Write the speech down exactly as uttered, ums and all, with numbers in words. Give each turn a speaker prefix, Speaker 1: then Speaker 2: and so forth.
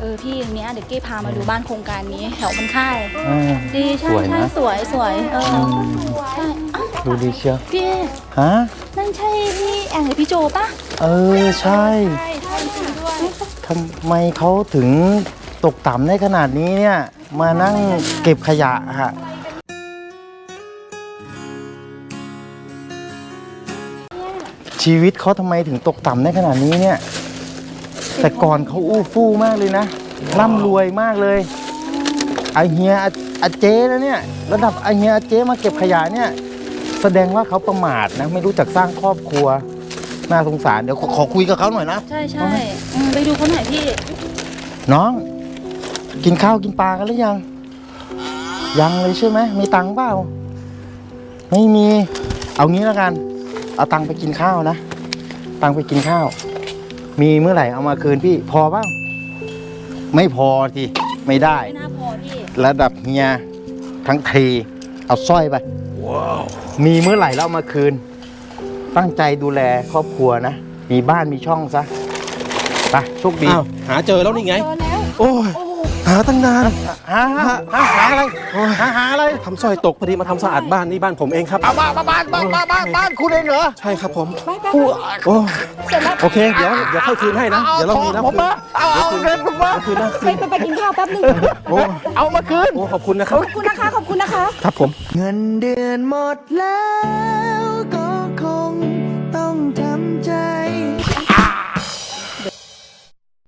Speaker 1: อพี่เนี้ยเดี๋ยวเก้พามาดูบ้านโครงการนี้แถวมันค่าย
Speaker 2: อ่า
Speaker 1: ดีใช่
Speaker 2: สวย
Speaker 1: ใช่
Speaker 2: นะ
Speaker 1: สวยสวยเออใช่อ้าว
Speaker 2: ดูดีเชียว
Speaker 1: พี่
Speaker 2: ฮะ
Speaker 1: นั่นใช่พี่แองหรือพี่โจปะ
Speaker 2: เออใช่
Speaker 1: ใช่ใช่จริงด้วย
Speaker 2: ทำไมเขาถึงตกต่ำได้ขนาดนี้เนี่ยมานั่งเก็บขยะฮะชีวิตเขาทำไมถึงตกต่ำได้ขนาดนี้เนี่ยแต่ก่อนเขาอู้ฟู่มากเลยนะร่ำรวยมากเลยไอเฮียอาเจ๊แล้วเนี่ยระดับไอเฮียอาเจ๊มาเก็บขยะเนี่ยแสดงว่าเขาประมาทนะไม่รู้จักสร้างครอบครัวน่าสงสารเดี๋ยวขอขอคุยกับเขาหน่อยนะ
Speaker 1: ใช่ใช่อืมไปดูเขาหน่อยพี่
Speaker 2: น้องกินข้าวกินปลากันหรือยังยังเลยใช่ไหมมีตังค์เปล่าไม่มีเอางี้แล้วกันเอาตังค์ไปกินข้าวนะตังค์ไปกินข้าวมีเมื่อไหร่เอามาคืนพี่พอเปล่าไม่พอทีไม่ได้
Speaker 1: ไม่น่าพอพี่
Speaker 2: ระดับเฮียทั้งทีเอาสร้อยไปมีเมื่อไหร่แล้วเอามาคืนตั้งใจดูแลครอบครัวนะมีบ้านมีช่องซะไปโชคดี
Speaker 3: อ้าวหาเจอแล้วนี่ไง
Speaker 1: เจอแล้ว
Speaker 3: โอ้ยหาตั้งนาน
Speaker 2: หาหาหาหาอะไรหาหาอะไร
Speaker 3: ทำสร้อยตกพอดีมาทำสะอาดบ้านนี่บ้านผมเองครับ
Speaker 2: เอาบ้านบ้านบ้านบ้านบ้านบ้านคุณเองเหรอ
Speaker 3: ใช่ครับผม
Speaker 1: ไปไป
Speaker 2: กู
Speaker 3: โอ้
Speaker 1: เสร็จแล้ว
Speaker 3: โอเคเดี๋ยวเดี๋ยวค่อยคืนให้นะ เดี๋ยวเรามีนะ
Speaker 2: ผมมาเอาเอาเงินผมมา
Speaker 3: เดี๋ยวคืนนะ
Speaker 1: ไปไปไปกินข้าวแป๊บนึง
Speaker 3: โอ้
Speaker 2: เอามาคืน
Speaker 3: โอ้ขอบคุณนะครับ
Speaker 1: ขอบคุณนะคะขอบคุณนะคะ
Speaker 3: ครับผม
Speaker 4: เงินเดือนหมดแล้ว